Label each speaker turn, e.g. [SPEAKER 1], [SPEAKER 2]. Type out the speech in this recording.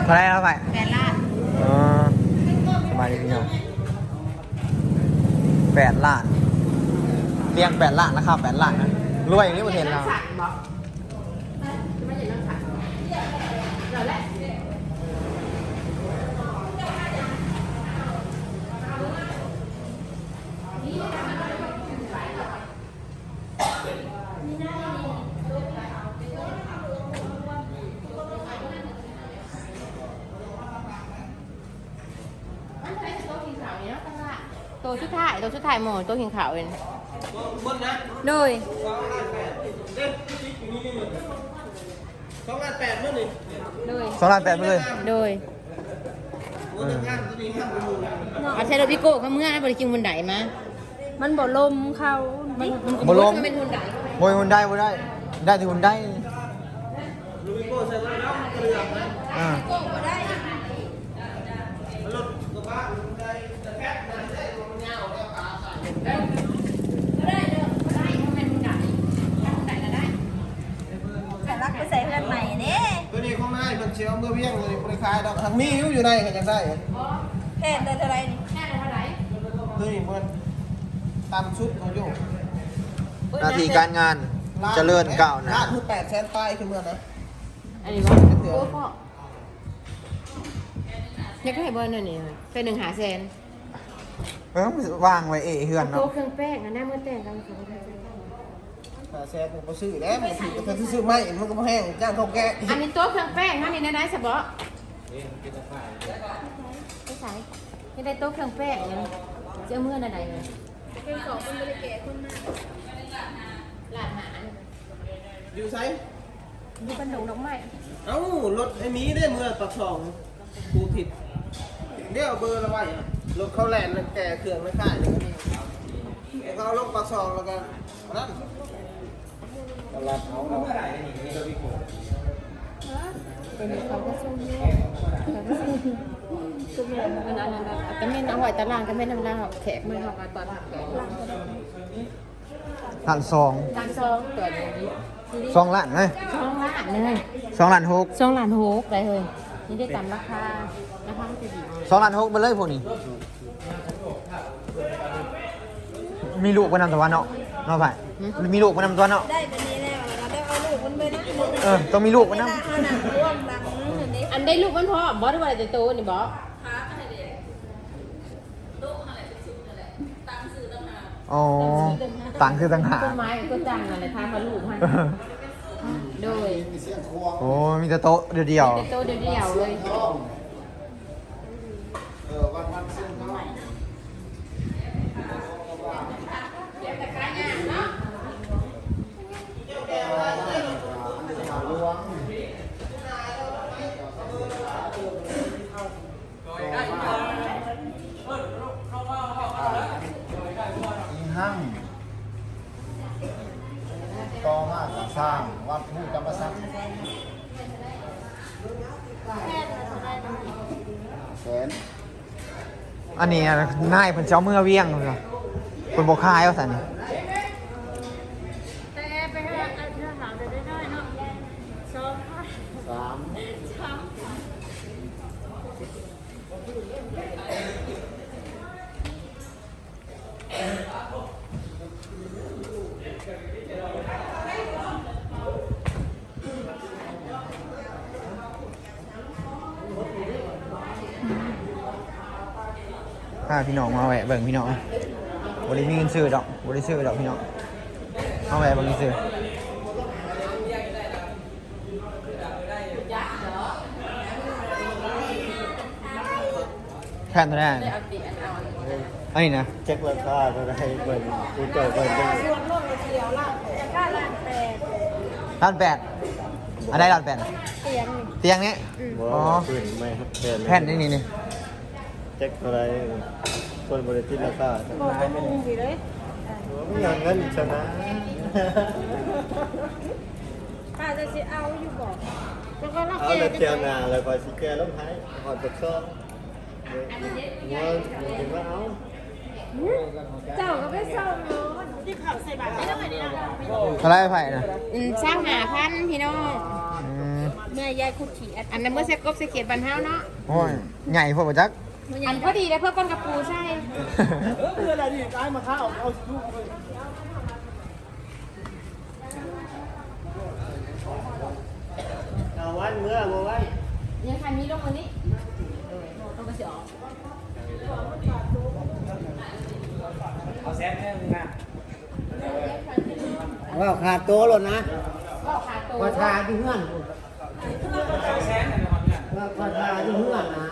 [SPEAKER 1] เท่าไรแล้วไป
[SPEAKER 2] 8 ล้าน
[SPEAKER 1] อ๋อสบายดีพี่น้อง8 ล้านเตียง8 ล้านราคา8 ล้านนะรวยอย่างนี้ประเทศเรา
[SPEAKER 2] ตัวชุดถ่ายหมดตัวหิงขาวเองโดย
[SPEAKER 1] 2,800,000เลย
[SPEAKER 2] โดย
[SPEAKER 1] 2,800,000เลย
[SPEAKER 2] โดยอาใช้รถพิโก้เขาเมื่อนะบริกิงบนไดมามันบ่ลมเขา
[SPEAKER 1] บ่ลม
[SPEAKER 2] เป็นหุ่นได
[SPEAKER 1] โวยหุ่นได้บ่ได้ได้ที่หุ่นได้อ่า
[SPEAKER 3] รักไปใส่เพื่อนใหม่เนี่ย
[SPEAKER 4] ตัวนี้ข้างในมันเชียวเมื่อเวียงเลยบริคายดอกทางมีอยู่ในกันยังได้
[SPEAKER 3] แค่เดินเท่าไรนี่
[SPEAKER 4] ตัวนี้มันตามชุดเขาอยู่
[SPEAKER 1] หน้าที่การงานเจริญก้าวหน้า
[SPEAKER 4] คือ800,000 ป้ายคือเมื่อนะ
[SPEAKER 2] อันนี้ว่าโอ้พ่ออยากได้เบอร์นั่นนี่เป็น100,000
[SPEAKER 1] วางไว้เฮือน
[SPEAKER 2] โต๊ะ
[SPEAKER 1] เนาะ
[SPEAKER 2] เครื่องแป้งอันนั้นเมื่อแต่งกัน
[SPEAKER 4] 500,000ผมก็ซื้อแล้วมันถือก็ซื้อไม่มันก็มาแห้งจ้างเขาแกะ
[SPEAKER 2] อันนี้โต๊ะเครื่องแป้งนั่นนี่ได้สบอไม่ใช่ไม่ได้โต๊ะเครื่องแป้งนะเจ้าเมื่อไหนเลย
[SPEAKER 3] เป็นของคนบริเกตคนมาก
[SPEAKER 2] หลานหา
[SPEAKER 4] อยู่ไซ
[SPEAKER 2] ดูบันดงดอกไม้
[SPEAKER 4] เอ้ารถไอ้มีได้เมื่อปักสองกูผิดเดี๋ยวเบอร์ละไว้รถเขาแลนแก่เครื่องไม่ค่ายเลยนี่เขาลงปักสองแล้วกันนั่นตลาดเขา
[SPEAKER 2] เป็นเขาก็ช่วงนี้ช่วงนี้มันอันนั้นก็ไม่เอาไว้ตารางก็ไม่นำลาแขกไม่เอาตอนแขก
[SPEAKER 1] ล้านสอง
[SPEAKER 2] ตัวนี้
[SPEAKER 1] 2 ล้านเลย
[SPEAKER 2] 2 ล้านเลย
[SPEAKER 1] 2 ล้าน6
[SPEAKER 2] 2 ล้าน6ได้เลยนี่ได้ตามราคามันจะดี
[SPEAKER 1] 2 ล้าน6ไปเลยพวกนี้มีลูกไปนำตัวเนาะไปมีลูกไปนำตัวเนาะ
[SPEAKER 3] ได้แบบนี้แล้วเราได้เอาลูกมันไปนะ
[SPEAKER 1] ต้องมีลูกไปนำ
[SPEAKER 3] เอาหนังร่วมหนังนี้
[SPEAKER 2] อันได้ลูกมันพอบอสว่าจะโตนี่บอส
[SPEAKER 1] อ๋อต่างคือต่างหาก
[SPEAKER 2] ต้นไม้ก็จังอะไรทางมาลูกให้โดย
[SPEAKER 1] โอ้มีแต่โต๊ะเดียว
[SPEAKER 2] โตเดียวเลย
[SPEAKER 4] ห้างต่อมาสร้างวัดผู้จำพรรษา
[SPEAKER 1] อันนี้นายเพิ่นเจ้าเมื่อเวียงเลยคนบ่คายว่าซั่นนี่
[SPEAKER 3] แต่ไปหาอาหารได้เนาะ
[SPEAKER 1] พาพี่น้องมาแวะเบิ่งพี่น้องบ่ได้มีเงินซื้อดอกบ่ได้ซื้อดอกพี่น้องมาแวะเบิ่งซื้อแค่นั้นแหละอันนี้นะ
[SPEAKER 4] เช็คราคาก็ได้เปิดกูเจอเปิดได้
[SPEAKER 3] ส่วนลดเราเดียวละค่าล้านแปด
[SPEAKER 1] อันได้ล้านแปด
[SPEAKER 3] เตียง
[SPEAKER 1] นี้
[SPEAKER 4] อ๋อไม่ครับ
[SPEAKER 1] แผ่นนี่
[SPEAKER 4] เช็คอะไรคนบริจิตราคา
[SPEAKER 3] โอ้เป็นมุมดีเลย
[SPEAKER 4] ไม่อย่างนั้นชนะ
[SPEAKER 3] อาจจะสิเอาอยู่บอกแล้วก็รับ
[SPEAKER 4] เอาแล้วเจียวนาแล้วก็สิแกล้มท้ายหอดตะซ้อมเงินถึงว่าเอา
[SPEAKER 3] เจ้าก็ไม่เศร้าเนาะที่ข่าวใส่บาตรไม่ได้เลยนะ
[SPEAKER 1] อะไรไผ่นะ
[SPEAKER 2] สร้างหาพันพี่น้อง
[SPEAKER 3] เมื่อยายคุดขี่
[SPEAKER 2] อันนั้นเมื่อเซ็กกบเซ็กเขียดบันเท้าเนาะ
[SPEAKER 1] โอ้ยใหญ่พอประจัก
[SPEAKER 2] อันพอดีแล้วเพื่อก้นกระปูใช่
[SPEAKER 4] คืออะไรดิกายมาข้าวเอาลูกเลยเอาวันเมื่อบ่ไว้
[SPEAKER 2] ยังใครมีลงมานี้ต้องกระเสีย
[SPEAKER 4] ว่าขาดโตหล่นนะ
[SPEAKER 2] ก็ขาดตัว
[SPEAKER 4] ว่าทาที่เฮือนว่าทาที่เฮือนนะ